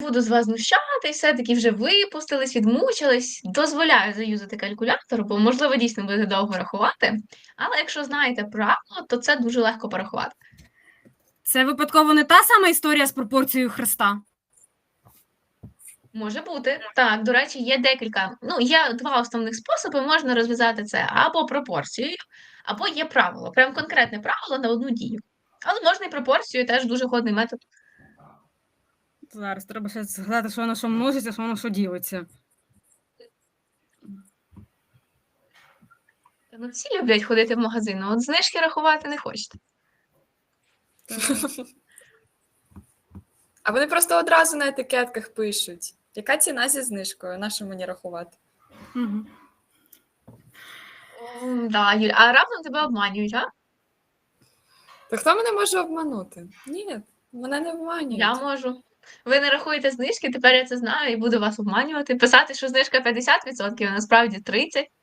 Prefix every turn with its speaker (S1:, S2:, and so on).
S1: буду з вас знущатись, все-таки вже випустились, відмучились. Дозволяю заюзати калькулятор, бо, можливо, дійсно будете довго рахувати. Але якщо знаєте правило, то це дуже легко порахувати.
S2: Це випадково не та сама історія з пропорцією хреста?
S1: Може бути. Так, до речі, є декілька. Ну, є два основних способи. Можна розв'язати це або пропорцією, або є правило. Прям конкретне правило на одну дію. Але можна і пропорцією, теж дуже ходний метод.
S2: Зараз треба ще згадати, що воно що множиться, що воно що ділиться.
S1: Ну, всі люблять ходити в магазин, а от знижки рахувати не хочете.
S3: А вони просто одразу на етикетках пишуть. Яка ціна зі знижкою? На що мені рахувати?
S2: Угу.
S1: Да, Юль, а раптом тебе обманюють, а?
S3: То хто мене може обманути? Ні, мене не обманюють.
S1: Я можу. Ви не рахуєте знижки, тепер я це знаю і буду вас обманювати. Писати, що знижка 50%, а насправді 30%.